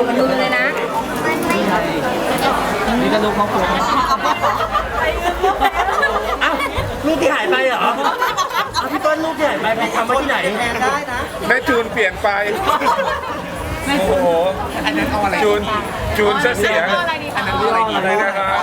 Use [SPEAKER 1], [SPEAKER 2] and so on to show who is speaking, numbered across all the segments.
[SPEAKER 1] มาดูเลยนะ
[SPEAKER 2] นี่ก็ลูกครอบครัวอ้าวลูกที่หายไปเหรอเอาพี่ต้นลูกที่หายไปทำมาที่ไหนได้นะ
[SPEAKER 3] แม่จูนเปลี่ยนไปโอ้โหอันนั้นเอาอะไรจูนเสียอันนั้นอะไรนะครับ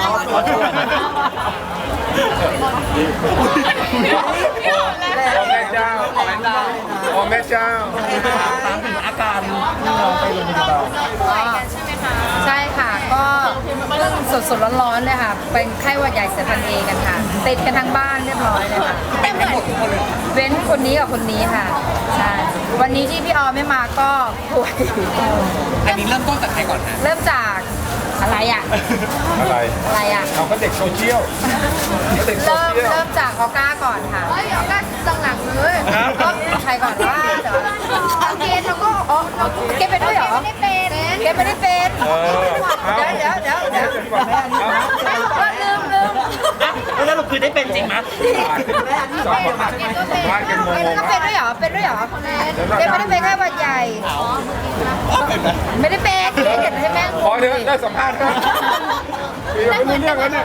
[SPEAKER 3] โอ้แม่เจ้าโอ้แม่เจ้า
[SPEAKER 2] ถามถึงอาการที่น้องไปโรงพยาบาล
[SPEAKER 1] ใช่ค่ะก็เพิ่งสดๆร้อนๆเลยค่ะเป็นไข้หวัดใหญ่สายพันธุ์เอกันค่ะติดกันทั้งบ้านเรียบร้อยเลยค่ะเป็นหมดทุกคนเลยเว้นคนนี้กับคนนี้ค่ะใช่วันนี้ที่พี่ออมไม่มาก็ป่วย
[SPEAKER 4] อันนี้เริ่มต้นจากใครก่อนฮะ
[SPEAKER 1] เริ่มจากอะไรอ่ะ
[SPEAKER 3] อะไร
[SPEAKER 1] อ่ะ
[SPEAKER 3] เอาก็เด็กโซเชียลเด็กโซเชียล
[SPEAKER 1] เริ่มจากออก้าก่อนค่ะออก้าหลังๆเลยก็ใครก่อนว่าเดี๋ยวเกณฑ์เขาก็เกณฑ์เป็นด้วยเหรอเกณฑ์ไม่ได้เป็นเดี๋ยวลืม
[SPEAKER 2] แล้วเราคือได้เป็นจริงไหม
[SPEAKER 3] สองคนสัมภาษณ์กันงง
[SPEAKER 1] ก็เป็นด้วยเหรอเกณฑ์ไม่ได้เป็นแค่หวัดใหญ่ไม่ได้เป็นเห็นให้แม่ง
[SPEAKER 3] พอเถอะได้สัมภาษณ์ครับยังไม่รู้เรื่องแล้วเนี่ย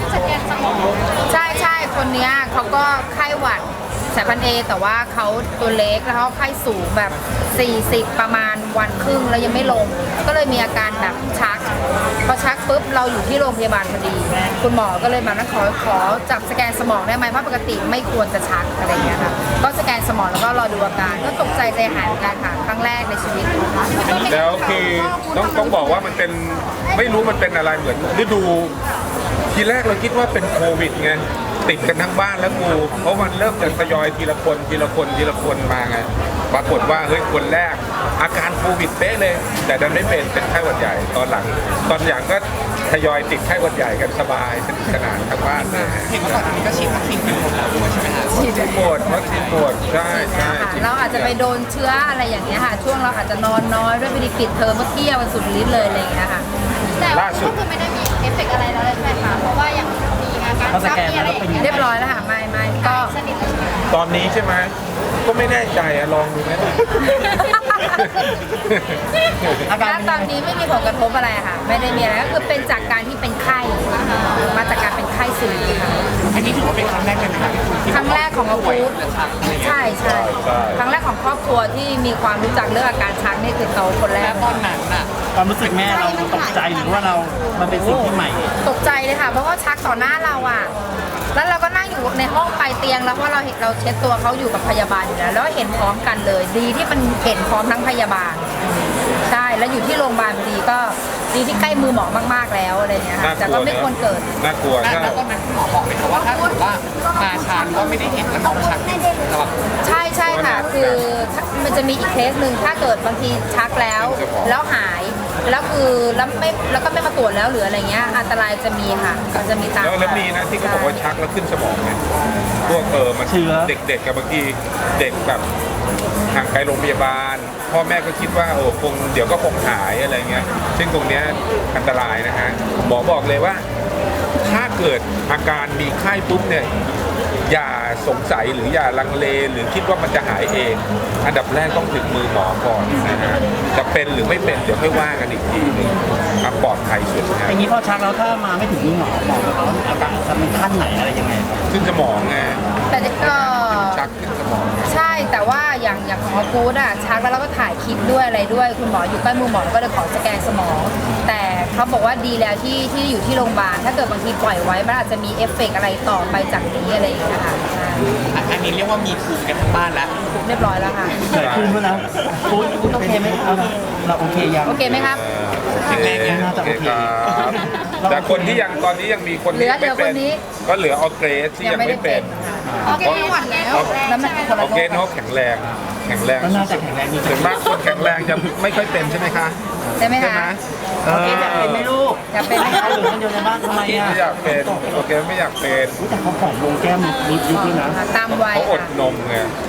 [SPEAKER 1] ใช่คนเนี้ยเขาก็ไข้หวัดสายพันธุ์เอแต่ว่าเขาตัวเล็กแล้วเขาไข้สูงแบบ40ประมาณวันครึ่งแล้วยังไม่ลง ก็เลยมีอาการแบบชักพอชักปุ๊บเราอยู่ที่โรงพยาบาลพอดี คุณหมอก็เลยมาขอจับสแกนสมองได้ไหมเพราะปกติไม่ควรจะชักอะไรอย่างเงี้ยค่ะก็สแกนสมองแล้วก็รอดูอาการก็ตกใจหายเหมือนกันค่ะครั้งแรกในชีวิต
[SPEAKER 3] แล้วคือต้องบอกว่ามันเป็นไม่รู้มันเป็นอะไรเหมือนฤดูทีแรกเราคิดว่าเป็นโควิดไงติดกันทั้งบ้านแล้วกูเพราะมันเริ่มจะทยอยทีละคนมาไงปรากฏว่าเฮ้ยคนแรกอาการโควิดเป๊ะเลย แต่ดันไม่เป็นไข้หวัดใหญ่ตอนหลังก็ทยอยติดไข้หวัดใหญ่กันสบายสนุกสนานทั้งบ้านเลย
[SPEAKER 4] เห็นว่าก่อนอันนี้ก็ฉีดวัคซีนกันหมดแล้วด้วยใช่ไหมฮะ
[SPEAKER 3] วัคซีนหมดใช่
[SPEAKER 1] เราอาจจะไปโดนเชื้ออะไรอย่างเงี้ยค่ะช่วงเราอาจจะนอนน้อยด้วยไม่ได้ปิดเทอมเมื่อเที่ยววันสุดฤทธิ์เลยอะไรอย่างเงี้ยค่ะ
[SPEAKER 3] ล่าสุด
[SPEAKER 5] ก็คือไม่ได้มีเอฟเฟกต์อะไรแล้วเลยใช่ไหมคะ เพราะว่ายังมีอาการ
[SPEAKER 2] เขาสแกนแล้วเป็น
[SPEAKER 1] เรียบร้อยแล้วค่ะไม่ก็
[SPEAKER 5] สนิทแล้วใช่ไหม
[SPEAKER 3] ตอนนี้ใช่ไหมก็ไม่แน่ใจอะลองดูไหม
[SPEAKER 2] อาการ
[SPEAKER 1] ณตอนนี้ไม่มีผลกระทบอะไรค่ะ ไม่ได้มีอะไรก็คือเป็นจากการที่เป็นไข้มาจากการเป็นไข้สูงค่ะ
[SPEAKER 4] อันนี้ถือว่าเป็นครั้งแรกเลยไหมครับที่
[SPEAKER 1] ครั้งแรกของอาคูด
[SPEAKER 4] จะชักอะไรเงี้ย
[SPEAKER 1] ใช่ครั้งแรกของครอบครัวที่มีความรู้จักเรื่องอาการชักนี่คือเขาคนแร
[SPEAKER 4] แล้
[SPEAKER 1] ก
[SPEAKER 4] วตอนนั้นน่ะ
[SPEAKER 2] ความรู้สึกแม่เราตกใจหรือว่ามันเป็นสิ่งที่ใหม่
[SPEAKER 1] ตกใจเลยค่ะเพราะว่าชักต่อหน้าเราอ่ะแล้วเราก็นั่งอยู่ในห้องปลายเตียงแล้วเพราะเราเห็นเราเช็ดตัวเขาอยู่กับพยาบาลอยู่แล้วเห็นพร้อมกันเลย ดีที่มันเห็นพร้อมทั้งพยาบาลใช่แล้วอยู่ที่โรงพยาบาลพอดีก็ดีที่ใกล้มือหมอมากๆแล้วอะไรเงี้ยค่ะแต่ก็ไม่ควรเกิด
[SPEAKER 3] น่ากลัว
[SPEAKER 4] แล้วตอนนั้นคุณหมอบอกเลยครับว่าถ้าเกิดว่ามาช้าหรือว่าไม่ได้เห็นแล้วน้องชักนี่จะแบบ
[SPEAKER 1] ใช่ค่ะคือมันจะมีอีกเคสหนึ่งถ้าเกิดบางทีชักแล้วหายแล้วคือแล้วก็ไม่มาตรวจแล้วหรืออะไรเงี้ยอันตรายจะมีค่ะมันจะมีตาม
[SPEAKER 3] แล้วมีนะที่เขาบอกว่าชักแล้วขึ้นสมองไงพวกมันเด็กกับบางทีเด็กแบบห่างไกลโรงพยาบาล พ่อแม่ก็คิดว่าเดี๋ยวก็คงหายอะไรเงี้ยซึ่งตรงเนี้ยอันตรายนะฮะหมอบอกเลยว่าถ้าเกิดอาการมีไข้ปุ๊บเนี่ยอย่าสงสัยหรืออย่าลังเลหรือคิดว่ามันจะหายเอง อันดับแรกต้องถึงมือหมอก่อนนะฮะจะเป็นหรือไม่เป็นเดี๋ยวค่อยว่ากันอีกทีนึงปลอดภัยสุดนะฮะ
[SPEAKER 2] อย่างนี้พอชักแล้วถ้ามาไม่ถึงมือหมอเขาอาการจะเป็นขั้นไหนอะไรยังไงครับ
[SPEAKER 3] ขึ้นสมองไง
[SPEAKER 1] แต่ก็
[SPEAKER 3] ชักขึ้นสมอง
[SPEAKER 1] ใช่แต่ว่าอย่างของอากูดอะชักแล้วเราก็ถ่ายคลิปด้วยอะไรด้วยคุณหมออยู่ใกล้มือหมอก็เลยขอสแกนสมอง แต่เขาบอกว่าดีแล้วที่อยู่ที่โรงพยาบาลถ้าเกิดบางทีปล่อยไว้มันอาจจะมีเอฟเฟกต์อะไรต่อไปจากนี้อะไรอย่างเงี้ยค่ะใช่
[SPEAKER 4] อันนี้เรียกว่ามีภูมิกันทั้งบ้านแล้ว
[SPEAKER 1] เรียบร้อยแล้วค่ะ
[SPEAKER 2] เกิดขึ้นแล้วนะคุณโอเคไหมเราโอเคยัง
[SPEAKER 1] โอเคไหมครับ
[SPEAKER 3] แข็งแรงนะโอเคครับแต่คนที่ยังตอนนี้ยังมีคนที่ไม่เป็นก็เหลือออร์เกรสที่ยังไม่เป็น
[SPEAKER 1] โอเคหวัดแล้วแล้วมันคน
[SPEAKER 3] อ
[SPEAKER 1] ละ
[SPEAKER 3] อร์เกรสเขาแข็งแรง
[SPEAKER 2] ก็น่าจะแข็งแรงดี
[SPEAKER 3] ส่วนมากคนแข็งแรงจะไม่ค่อยเป็นใช่ไหมคะ
[SPEAKER 1] ใช่ไหมคะ
[SPEAKER 2] โอเคอยากเป็นไหมลูก
[SPEAKER 1] อยากเป็นไหมคะ
[SPEAKER 2] เอาหรือคนเดียวในบ้านทำไมอ่ะ
[SPEAKER 3] ไม่อยากเป็นโอเคไม่อยากเป็น
[SPEAKER 2] แต่เขาผอมลงแก้มนิดด้วยนะ
[SPEAKER 1] ตามวัย
[SPEAKER 3] เขาอด
[SPEAKER 1] ค่ะ
[SPEAKER 3] นมไง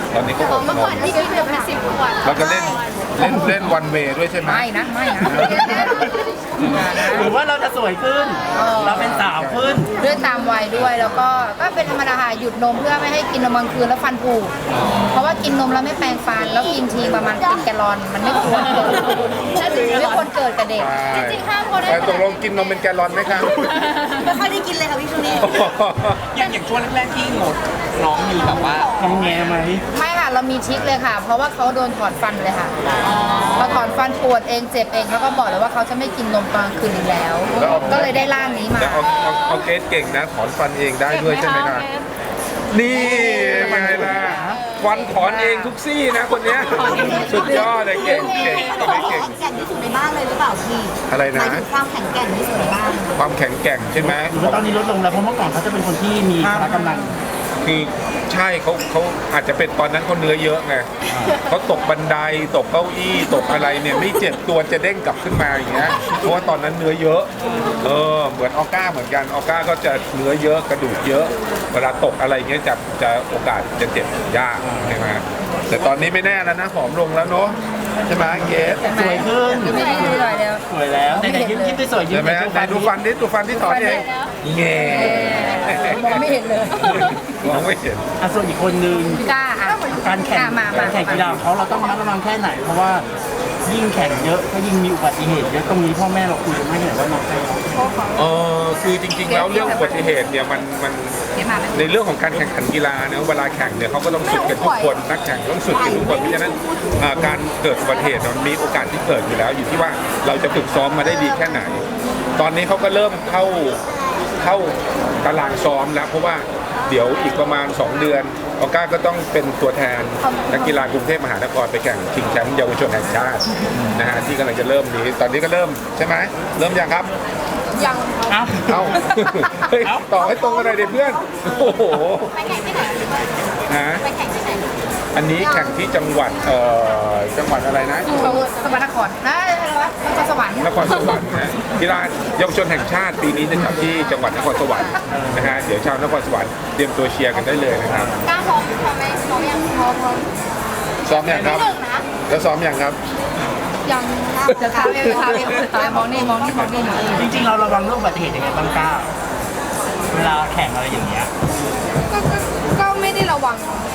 [SPEAKER 3] ตอนนี้ก็
[SPEAKER 5] อ๋
[SPEAKER 3] อ
[SPEAKER 5] อ
[SPEAKER 3] ด
[SPEAKER 5] เมื่อน ก่อน
[SPEAKER 3] ม
[SPEAKER 5] ที่กินจะเป็น10 ขวด
[SPEAKER 3] แล้วก็เล่นวันเวย์ด้วยใช่ไหม
[SPEAKER 1] ไม่นะไม่นะ
[SPEAKER 2] หรือว่าเราจะสวยขึ้น เราเป็นสาวขึ้น
[SPEAKER 1] ด้วยตามวัยด้วยแล้วก็เป็นธรรมดาค่ะหยุดนมเพื่อไม่ให้กินนมกลางคืนแล้วฟันผุเพราะว่ากินนมแล้วไม่แปรงฟันแล้วกินทีประมาณเป็นแกลลอนมันไม่ควรเกิดไม่ควรเกิดกับเด็ก
[SPEAKER 5] จริงๆห้ามคนได้
[SPEAKER 3] ตกลงกินนมเป็นแกลลอนไหมครับ
[SPEAKER 5] ไม่ค่อยได้กินเลยค่ะพี่ช่วงนี้
[SPEAKER 4] อย่างช่วงแรกๆที่งดน้องมีแบบว่า
[SPEAKER 2] ทำแงไหม
[SPEAKER 1] ไม่ค่ะเรามีทริคเลยค่ะ เพราะว่าเขาโดนถอดฟันเลยค่ะพอถอนฟันปวดเองเจ็บเองแล้วก็บอกเลยว่าเขาจะไม่กินนมตอนกลางคืนอีกแล้ว ก็เลยได้ร่างนี้มา
[SPEAKER 3] แต่เอาเกสเก่งนะถอนฟันเองได้ด้วยใช่ไหมครับนี่ไงล่ะฟันถอนเองทุกซี่นะคนเนี้ยสุดยอดเลยเก่งตัวนี้เก่ง
[SPEAKER 5] แข็งที่สุดในบ้านเลยหรือเปล่าพี่
[SPEAKER 3] อะไรนะ
[SPEAKER 5] หมายถึงความแข็งแกร่งที่สุดในบ้าน
[SPEAKER 3] ความแข็งแกร่งใช่ไหม
[SPEAKER 2] หรือว่าตอนนี้ลดลงแล้วเพราะเมื่อก่อนเขาจะเป็นคนที่มีพละกำลัง
[SPEAKER 3] คือใช่เขาอาจจะเป็นตอนนั้นเขาเนื้อเยอะไงเขาตกบันไดตกเก้าอี้ตกอะไรเนี่ยไม่เจ็บตัวจะเด้งกลับขึ้นมาอย่างเงี้ยเพราะว่าตอนนั้นเนื้อเยอะเหมือนออก้าเหมือนกันออก้าก็จะเนื้อเยอะกระดูกเยอะ เวลาตกอะไรเงี้ยจะโอกาสจะเจ็บยากใช่ไหมแต่ตอนนี้ไม่แน่แล้วนะผอมลงแล้วเนาะใช่ไหมเกส
[SPEAKER 2] สวยขึ้น
[SPEAKER 1] ไม่ได้ดูเลยเดียว
[SPEAKER 2] สวยแล้วแต่ยิ้มยิ้มสวยยิ้ม
[SPEAKER 3] ใช่ไหมไหนดูฟันดิดูฟันที่ถอนเองเง่
[SPEAKER 1] มองไม่เห็นเลย
[SPEAKER 3] มองไม่เห็น
[SPEAKER 2] ส่วนอีกคนนึง
[SPEAKER 1] กล้าอ่ะ
[SPEAKER 2] การแข่ง
[SPEAKER 1] มา
[SPEAKER 2] การแข่งกีฬาของเขาเราต้องระมัดระวังแค่ไหน เพราะว่ายิ่งแข่งเยอะก็ยิ่งมีอุบัติเหตุเยอะตรงนี้พ่อแม่เราคุยกันไม่เห็นว่าน้องใคร
[SPEAKER 3] คือจริงๆแล้วเรื่องอุบัติเหตุเนี่ยมันในเรื่องของการแข่งขันกีฬาเนี่ยเวลาแข่งเนี่ยเขาก็ต้องสุดกันทุกคนนักแข่งต้องสุดกันทุกคนเพราะฉะนั้นการเกิดอุบัติเหตุมันมีโอกาสที่เกิดอยู่แล้วอยู่ที่ว่าเราจะฝึกซ้อมมาได้ดีแค่ไหน ตอนนี้เขาก็เริ่มเข้าตารางซ้อมแล้วเพราะว่าเดี๋ยวอีกประมาณ 2 เดือนออก้าก็ต้องเป็นตัวแทนนักกีฬากรุงเทพมหานครไปแข่งชิงแชมป์เยาวชนแห่งชาตินะฮะที่กำลังจะเริ่มนี้ตอนนี้ก็เริ่มใช่ไหมเริ่มยังครับ
[SPEAKER 1] ยัง
[SPEAKER 2] เอ้า
[SPEAKER 3] เอาเฮ้ยต่อให้ตรงกันเลยเด็เพื่อนโอ้โห
[SPEAKER 5] ไปแข่งที่ไหน
[SPEAKER 3] ฮะ
[SPEAKER 5] ไปแข่งที่ไหน
[SPEAKER 3] อันนี้แข่งที่จังหวัดจังหวัดอะไรนะ
[SPEAKER 1] สวรรครนะนครสวรรค์
[SPEAKER 3] นครสวรรค์นะกีฬาเยาวชนแห่งชาติปีนี้จะจัดที่จังหวัดนครสวรรค์นะฮะเดี๋ยวชาวนครสวรรค์เตรียมตัวเชียร์กันได้เลยนะครับ
[SPEAKER 5] กล้าพร้อมไหมพร้อมยังพร้อม
[SPEAKER 3] ซ้อมยังครับ
[SPEAKER 5] หนึ่งนะ
[SPEAKER 3] แล้วซ้อมยังครับ
[SPEAKER 5] ยัง
[SPEAKER 1] จะทำเองทำเองมองนี่มองนี่มองนี่
[SPEAKER 2] จริงๆเราระวังเรื่องอุบัติเหตุยังไงบ้างก้าวเวลาแข่งอะไรอย่างเงี้ย
[SPEAKER 5] ก็ไม่ได้ระวัง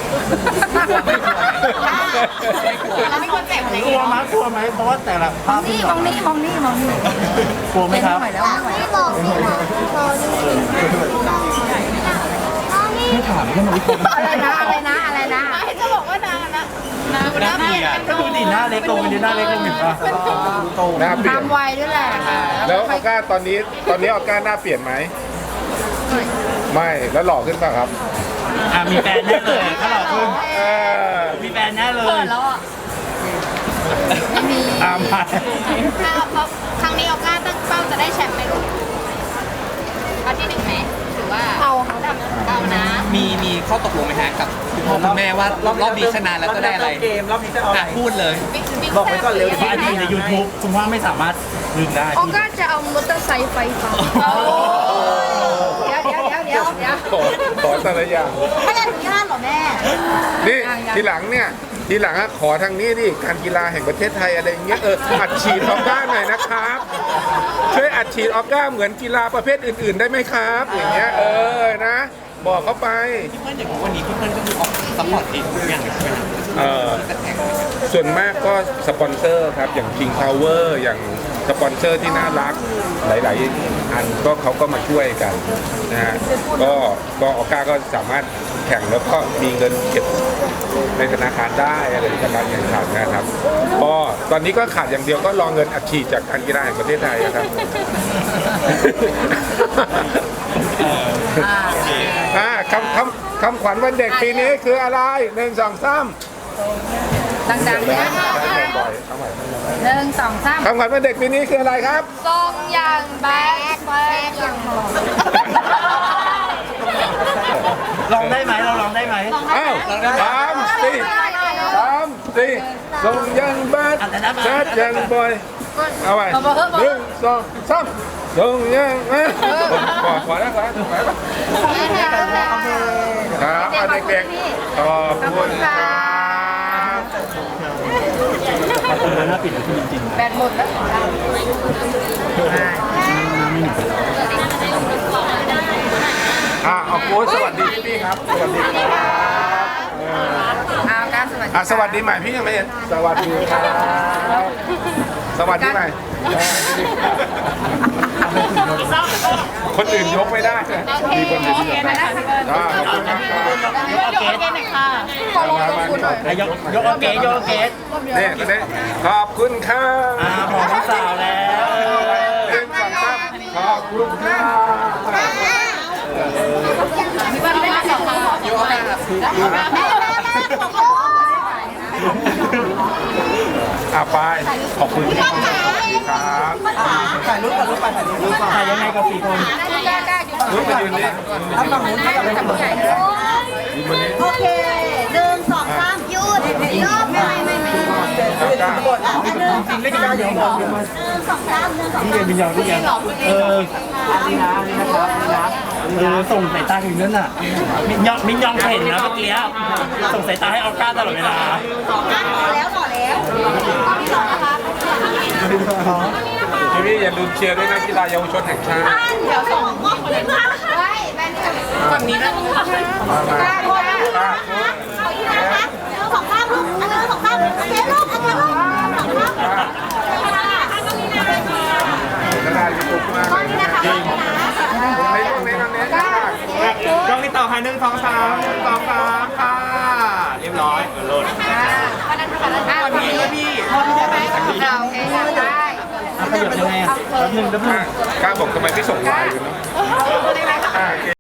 [SPEAKER 5] แล้วไม่ควรเจ็บอะไร
[SPEAKER 2] กลัวไหมกลัวไหมเพราะว่าแต่ละภาพที่
[SPEAKER 1] มองนี่มองนี่มองนี่
[SPEAKER 2] กลัวไหมครับ
[SPEAKER 1] ไม่ไหวแล้วไม่ไหว
[SPEAKER 5] ไม่บอกสิคะ
[SPEAKER 2] ไม่ถามแค่มาวิเคราะห์
[SPEAKER 1] อะไรนะอะไรนะอะไรนะ
[SPEAKER 5] จะบอกว่านางนะนางน่าเปลี่ยน
[SPEAKER 2] ก็ดูดิหน้าเล็กลงไปดิหน้าเล็กลงเห็นปะโต
[SPEAKER 3] หน้าเปลี่ยน
[SPEAKER 1] ตามวัยด้วยแหละ
[SPEAKER 3] แล้วออก้าตอนนี้ออก้าหน้าเปลี่ยนไหมไม่แล้วหล่อขึ้นป่ะครับ
[SPEAKER 2] มีแฟนแน่เลยถ้าเราขึ้น
[SPEAKER 3] เออ
[SPEAKER 2] มีแฟนแน่เลย
[SPEAKER 1] ไม่มี
[SPEAKER 2] ตามไป
[SPEAKER 5] เพราะครั้งนี้ออก้าตั้งเป้าจะได้แชมป์ไหมลูกเอาที่หนึ่งไหมหรือว่าเอานะ
[SPEAKER 4] มีข้อตกลงไหมฮะกับคุณพ่อคุณแม่ว่ารอบนี้ชนะแล้วจะได้อะไร
[SPEAKER 2] เกมรอบนี้จะเอาอะไร
[SPEAKER 4] พูดเลย
[SPEAKER 2] บอกไว้ก่อนเร็วเพราะอดีตใน YouTube คุณพ่อไม่สามารถลืมได้
[SPEAKER 5] ออก้าจะเอามอเตอร์ไซค์ไฟฟ้า
[SPEAKER 1] เดี๋ยว
[SPEAKER 3] ขอแต่ละอย่าง
[SPEAKER 5] ไม่อนุญาตเหรอแม่
[SPEAKER 3] นี่ทีหลังอะขอทางนี้ดิการกีฬาแห่งประเทศไทยอะไรอย่างเงี้ยอัดฉีดออก้าหน่อยนะครับช่วยอัดฉีดออก้าเหมือนกีฬาประเภทอื่นๆได้ไหมครับอย่างเงี้ยนะ บอกเขาไป
[SPEAKER 4] พี่เพื่อนอย่างวันนี้พี่เพื่อนก็คือออกซัพพอร์ตเองทุกอย่างเลยใช่ไหมครับ
[SPEAKER 3] ส่วนมากก็สปอนเซอร์ครับอย่าง King Power อย่างสปอนเซอร์ที่น่ารักหลายๆอันก็เขาก็มาช่วยกันนะฮะก็ออก้าก็สามารถแข่งแล้วก็มีเงินเก็บในธนาคารได้อะไรจากการแข่งขันนะครับก็ตอนนี้ก็ขาดอย่างเดียวก็รอเงินอัดฉีดจากการกีฬาแห่งประเทศไทยนะครับคำขวัญวันเด็กปีนี้คืออะไร1 2 3
[SPEAKER 1] ดังๆเนี่ย1 2 3
[SPEAKER 3] คำขวัญวันเด็กปีนี้คืออะไรครับ
[SPEAKER 5] ทรงอย่างแบดอย่างหอม
[SPEAKER 2] ลองได้ไหมเราลองได้ไหม
[SPEAKER 3] อ้าว3 4 ส่งยังบัดชัดยังบ่อยเอาไป1 2 ส่งยังขอแล้วครับ
[SPEAKER 1] เด็กๆขอบคุณ
[SPEAKER 3] เด็ก
[SPEAKER 1] พี่
[SPEAKER 3] ๆขอบคุณครับ
[SPEAKER 2] ประตูหน้าปิดจริง
[SPEAKER 1] แบตหมดแล้ว
[SPEAKER 3] เอาโค้ชสวัสดีพี่ครับสวัสดีครับ
[SPEAKER 1] เอาการสวัสดี
[SPEAKER 3] สวัสดีใหม่พี่ยังไม่เห็นสวัสดีครับสวัสดีใหม่คนอื่นยกไม่ได้มีคนอื่นยกได้ขอบคุณครับ
[SPEAKER 2] ยกเอาเกส
[SPEAKER 1] ขอลงตรงคุณหน่อย
[SPEAKER 2] ยกเอาเกสยกเอาเกส
[SPEAKER 3] นี่ตอนนี้ขอบคุณครับ
[SPEAKER 2] หอมสาวแล้ว
[SPEAKER 3] เรื่องสองครับขอบคุณครับ
[SPEAKER 1] พี่บ้านได้สองคำขอโยกแบบ
[SPEAKER 3] ไปขอบคุณครับครับ
[SPEAKER 2] ถ่ายรูปก่อนรูปไปถ่ายรูปก่อนถ่ายยังไงกับ4 คน
[SPEAKER 1] กล้าอยู่
[SPEAKER 3] รุ่นไปยืนนี่
[SPEAKER 2] ถ้าฝั่งนู้นก็แบบ
[SPEAKER 1] ผู้ใหญ่เลย
[SPEAKER 3] ยืนบนนี้
[SPEAKER 5] โอเค1 2 3หยุดรอบไม่
[SPEAKER 3] กล้า
[SPEAKER 2] จริงเล่นกันอย่างนี้นี่เรียนวิญญาณนี่ยังนี่นะครับส่งสายตาถึงนั่นน่ะมินยองเห็นนะเมื่อกี้ส่งสายตาให้ออก้าตลอดเวลา
[SPEAKER 5] ต่อแล้วที่2นะคะ
[SPEAKER 3] พี่อย่าลืมเชียร์ด้วยนะกีฬาเยาวชนแห่งชาติ
[SPEAKER 5] เดี๋ยวส่งมอบคนนี้มาเฮ้ยแบนนี่
[SPEAKER 4] ฝั่งนี้นะ
[SPEAKER 3] มา
[SPEAKER 5] ขอที่นะคะ2 ข้างลูก2 ข้างโอเคลูก2 ข้าง
[SPEAKER 3] กีฬายูทูบมากเลยจริงในตรงนี้ตรงนี้
[SPEAKER 4] กล้องนี้ต่อค่ะ1 2 3 1 2 3ค่ะเรียบร้อยโหลด
[SPEAKER 1] วันนี้พี่ใช่ไหมเราโอเคได้
[SPEAKER 2] ขยับยังไงแป๊บนึง
[SPEAKER 3] กล้าบอกทำไมไม่ส่งไลน์เลยนะ